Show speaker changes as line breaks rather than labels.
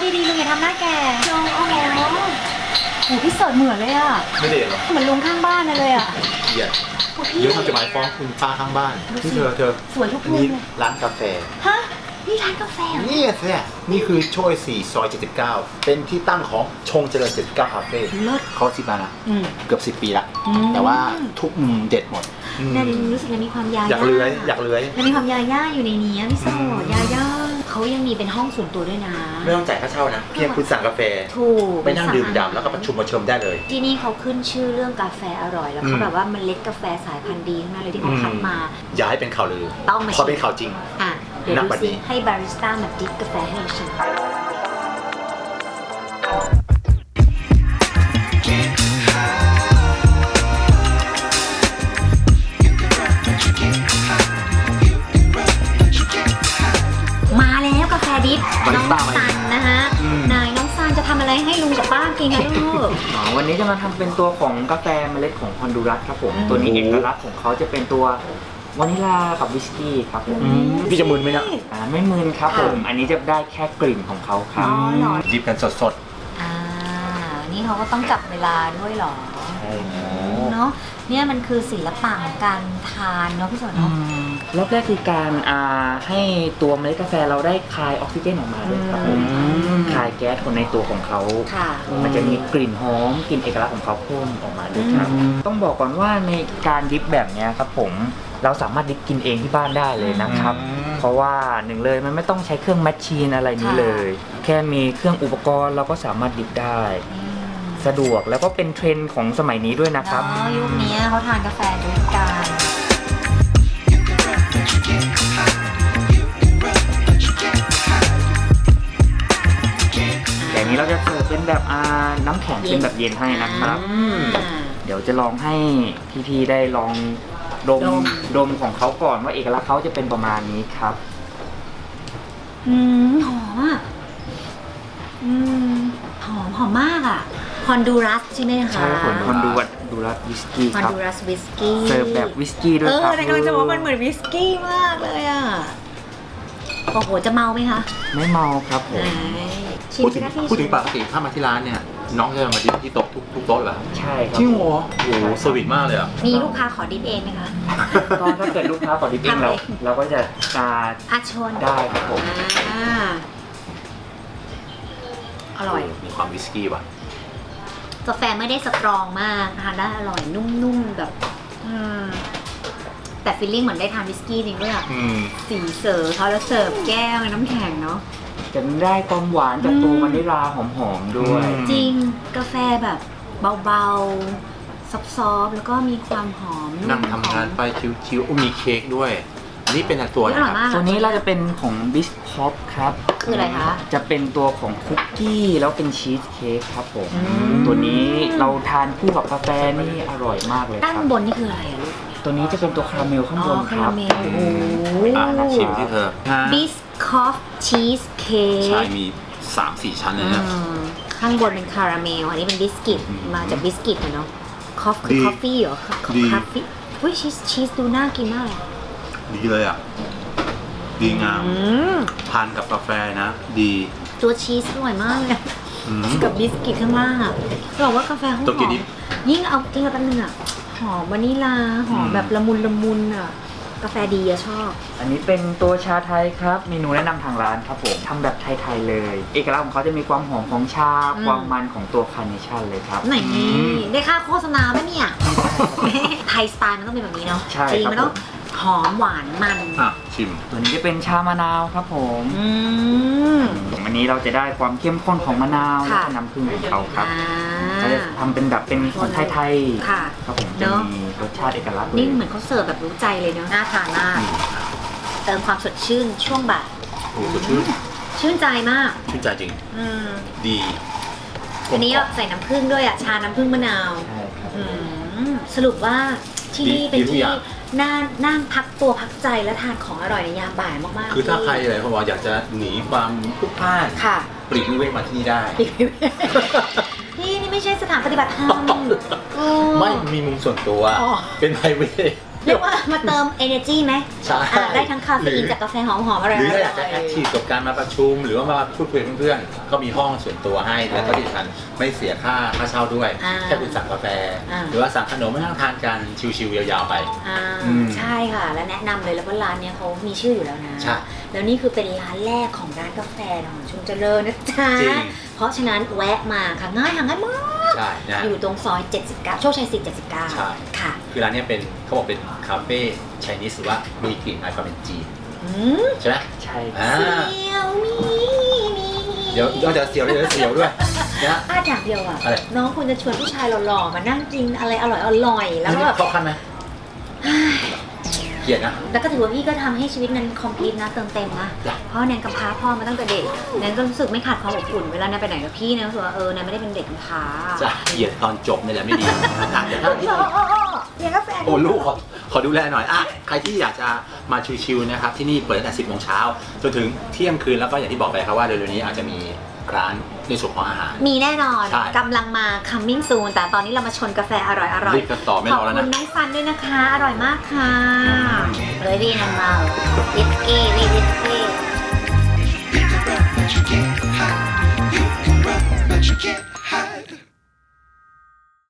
ดีๆลุงอย่าทำหน้าแก่ลุงโอ้โหโหพี่เสิร์ชเหมือนเลยอ่ะ
ไม่ได้หรอ
เหมือนลุงข้างบ้านเลยอ่ะ
เกลียดเดี๋ยวเขาจะหมายฟ้องคุณป้าข้างบ้านที่เธอ
สวยทุกมุม
นี่
เลย
ร้านกาแฟ
ฮะนี่ร้านกาแฟเหรอ
นี่สินี่คือโชย4ซอย79เป็นที่ตั้งของชงเจริญ79คาเฟ่
เลิศ
เขา10 มานะ
อืม
เกือบ10 ปีละ
อืม
แต่ว่าทุกมุมเด็ดหมด
เนี่ยรู้สึกยังมีความยา
อยากเลื้อยอยากเลื้อย
ยังมีความยาย่าอยู่ในนี้พี่โสดยาย่าเขายังมีเป็นห้องส่วนตัวด้วยนะ
ไม่ต้องจ่ายค่าเช่านะเพียงคุณสั่งกาแฟ
ถูก
ไปนั่งดื่มด่ำแล้วก็ประชุมประชมได้เลย
ที่นี่เขาขึ้นชื่อเรื่องกาแฟอร่อยแล้วเขาแบบว่าเมล็ดกาแฟสายพันธุ์ดีทั้งนั้นเลยที่เขาคัดมา
อย่าให้เป็นข่าวลือ
ต้องมา
พอเป็นข่าวจริง
อ่ะเดี๋ยว
นับ
ดู
วัน
สิ
นี้
ให้บาริสต้ามาดริปกาแฟให้เราชิมมาแล้วกาแฟดิฟน้องซันนะฮะนายน้องซันจะทำอะไรให้ลุงกับป้ากินกันลูก
วันนี้จะมาทำเป็นตัวของกาแฟเมล็ดของฮอนดูรัสครับผมตัวนี้เอกลักษณ์ของเขาจะเป็นตัววานิลากับวิสกี้ครับผม
พี่จะมึนไหมเนี่ย
ไม่มึนครับผมอันนี้จะได้แค่กลิ่นของเขาครับ
อ๋อเหรอ
ดิบกันสด
อ่านี่เขาก็ต้องจับเวลาด้วยเหรอ
ใช่ครับ
เนาะเนี่ยมันคือศิลปะของการทานเนาะพี่สนเนาะ
รอบแรกคือการให้ตัวเมล็ดกาแฟเราได้คายออกซิเจนออกมาเลยครับผมคายแก๊สคนในตัวของเขา
ค่ะ
มันจะมีกลิ่นหอมกลิ่นเอกลักษณ์ของเขาเพิ่มออกมาด้วยครับต้องบอกก่อนว่าในการดิฟแบบนี้ครับผมเราสามารถดิฟกินเองที่บ้านได้เลยนะครับเพราะว่าหนึ่งเลยมันไม่ต้องใช้เครื่องแมชชีนอะไรนี้เลย แค่มีเครื่องอุปกรณ์เราก็สามารถดิฟได้สะดวกแล้วก็เป็นเทรนด์ของสมัยนี้ด้วยนะครับ
เนาะยุคนี้เขาทานกาแฟด้วยกัน
อย่างนี้เราจะเสิร์ฟเป็นแบบน้ำแข็งเป็นแบบเย็นให้นะครับ เดี๋ยวจะลองให้พี่ๆได้ลองดมของเขาก่อนว่าเอกลักษณ์เขาจะเป็นประมาณนี้ครับ
หอมอ่ะหอมมากอ่ะฮอนดูรัสใช่ไหมคะ
ใช่ผลฮอนดูรัสวิสกี้
ฮอน
ครับ
ดูรัสวิสกี้
เสิร์ฟแบบวิสกี้ด้วยครับ
แต่กำลังจะบอกว่ามันเหมือนวิสกี้มากเลยอ่ะโอ้โหจะเมาไหมคะ
ไม่เมาครับผม
ชิม
พูด
สิ
ถึง
คะพี่
พูดถึงปกติถ้ามาที่ร้านเนี่ยน้องจะมาดิบที่โต๊ะทุกโต๊ะเหรอ
ใช่ครับ
จริงเหรอโอ้โหสวิตมากเลยอ่ะ
มีลูกค้าขอดิฟเองไหมคะ
ก็ถ้าเกิดลูกค้าขอดิบเองเราก็จะ
อาชน
ได้ครับผม
อร่อย
มีความวิสกี้ว่ะ
กาแฟไม่ได้สตรองมากทานได้อร่อยนุ่มๆแบบแต่ฟีลลิ่งเหมือนได้ทานวิสกี้จริงด้วยอ่ะสีเสิร์ฟเขาแล้วเสิร์ฟแก้วน้ำแข็งเนาะ
จะได้ความหวานจากตัววานิลาหอมๆด้วย
จริงกาแฟแบบเบาๆซอฟๆแล้วก็มีความหอมนุ่ม
นั่งทำงานไปชิวๆมีเค้กด้วยนี่เป็นตัว
อ
นะ
ร่อย
ครับ
มาก
ตัวนี้เราจะเป็นของบิสคอปครับ
คืออะไรคะ
จะเป็นตัวของคุกกี้แล้วเป็นชีสเค้กครับผมตัวนี้เราทานคู่กับกาแฟนี่อร่อยมากเลยค
ด้าน
รับบ
นนี่คืออะไรอะลูก
ตัวนี้จะเป็นตัวคาราเมลข้างบน
คา
ค
รา
รับ
เมลโอ้โห
ชิมที่เธอ
บิสคอฟชีสเค้
ใช่
ก
มี 3-4 ชั้นเลยนะ
ข้างบนเป็นคาราเมลอันนี้เป็นบิสกิตมาจากบิสกิตอะเนาะคอฟคือ
ดี
คอฟฟี่เหรอคอฟ
ดี
ฟี่อุ้ยชีสดูน่ากินมากเลย
ดีเลยอ่ะดีงามทานกับกาแฟนะ ดี
ตัวชีสอร่อยมากเลยอะกับบิสกิตข้างล่างอ่ะบอกว่ากาแฟเขาห
ตัวกิน
อ
ดิ
มยิ่งเอากินกับอันนึงอ่ะหอมวานิลาหอมแบบละมุนอ่ะกาแฟดีอะชอบ
อันนี้เป็นตัวชาไทยครับเมนูแนะนำทางร้านครับผมทำแบบไทยๆเลย เอกลักษณ์ของเขาจะมีความหอมของชาความมันของตัวคาร์เนชั่นเลยครับ
ไหนได้ค่าโฆษณาไหมเนี่ย ไทยสไตล์มันต้องเป็นแบบนี้เนาะ
ใช่
จริง
ครับ
มันต้องหอมหวานมัน
อ่ะชิม
ตัวนี้จะเป็นชามะนาวครับผม
ม
อันนี้เราจะได้ความเข้มข้นของมะนาวและ
ค่ะ
ก็น้ำผึ้งของเขาครับ
อ่า
เราจะทำเป็นแบบเป็นของไทย
ค่ะ
ๆครับผม
เน
จะ
อะ
มีรสชาติเอกลักษณ์เล
นี่
ย
เหมือนเขาเสิร์ฟแบบรู้ใจเลยเนาะน่าทานมากเติมความสดชื่นช่วงบ่าย
โอ้โหสดชื่น
ชื่นใจมาก
ชื่นใจจริง ดี
อันนี้ใส่น้ำผึ้งด้วยอ่ะชาน้ำผึ้งมะนาว
ใช่ครับ
สรุปว่าที่นี่เป็น
ดีทุก
ที่
อย่าง
นั่งพักตัวพักใจและทานของอร่อยในยามบ่ายมากๆ
คือถ้า
ที่
ใครอะไรเขาบอกอยากจะหนีความพลุกพล่าน
ค่ะ
ปลีกวิเวกมาที่นี่ได้
นี่ไม่ใช่สถานปฏิบัติธรรม
ไม่มีมุมส่วนตัว
อ๋อ
เป็นไพรเวท
เรียกว่ามาเติม energy ไหม
ใช่
ได้ทั้งคาเฟอีนจากกาแฟหอมๆอะไร
หรือถ้าอยากจะแอคทีฟกับการมาประชุม หรือว่ามาพูดคุยกับเพื่อนๆก็มีห้องส่วนตัวให้แล้วก็ที่สำคัญไม่เสียค่าเช่าด้วยแค่คุณสั่งกาแฟ หรือว่าสั่งขนมมานั่งทานกันชิวๆยาวๆไป
ใช่ค่ะและแนะนำเลยแล้วก็ร้านเนี้ยเขามีชื่ออยู่แล้วนะ
ใช่
แล้วนี่คือเป็นร้านแรกของร้านกาแฟของชุมเจริญนะจ๊ะ
จริง
เพราะฉะนั้นแวะมาค่ะง่ายหาง่ายมาก
ใช่นะ
อยู่ตรงซอย 79 โชคชัย 4
ใช่
79 ค่ะ
คือร้านเนี้ยเป็นเขาบอกเป็นคาเฟ่ไชนีสหรือว่ามีกลิ่นอายความเป็นจีน
อืม
ใช่ไหม
ใช่
อ่า
เสียวมี
เดี๋ยวนอกจากเสียวแล้วเดี๋ยวเสียวด้วยนะ
อย่างเดียวอ่ะ
อะไร
น้องควรจะชวนผู้ชายหล่อๆมานั่งกินอะไรอร่อยๆแล้วก็แบบ
เข้าขั้นไหมเกลียดนะ
แล้วก็ถือว่าพี่ก็ทำให้ชีวิตนั้นคอมพลีทนะเติมเต็มนะ
จ้ะ
เพราะแนนกำพร้าพ่อมาตั้งแต่เด็กแนนก็รู้สึกไม่ขาดความอบอุ่นเวลาแนนไปไหนกับพี่แนนรู้สึกว่าแนนไม่ได้เป็นเด็กกำพร้า
จะเกลียดตอนจบนี่แหละไม่ดีเดี๋ยวถ้าที่
เลี้ยงกาแฟ
โอ้ลูกขอดูแลหน่อยอ่ะใครที่อยากจะมาชิวๆนะครับที่นี่เปิดตั้งแต่ 10 โมงเช้าจนถึงเที่ยงคืนแล้วก็อย่างที่บอกไปครับว่าเร็วๆนี้อาจจะมีร้านในส่วนของอาหาร
มีแน่นอน
ใช่
กำลังมา coming soon แต่ตอนนี้เรามาชนกาแฟอร่อย
รีบกันต่อไม่
ข
ร
อบ
อแล้ว
คุ
นะ
ณน้องซันด้วยนะคะ อร่อยมากค่ะเลยพี่นันเมาวิสกี้วิสกี้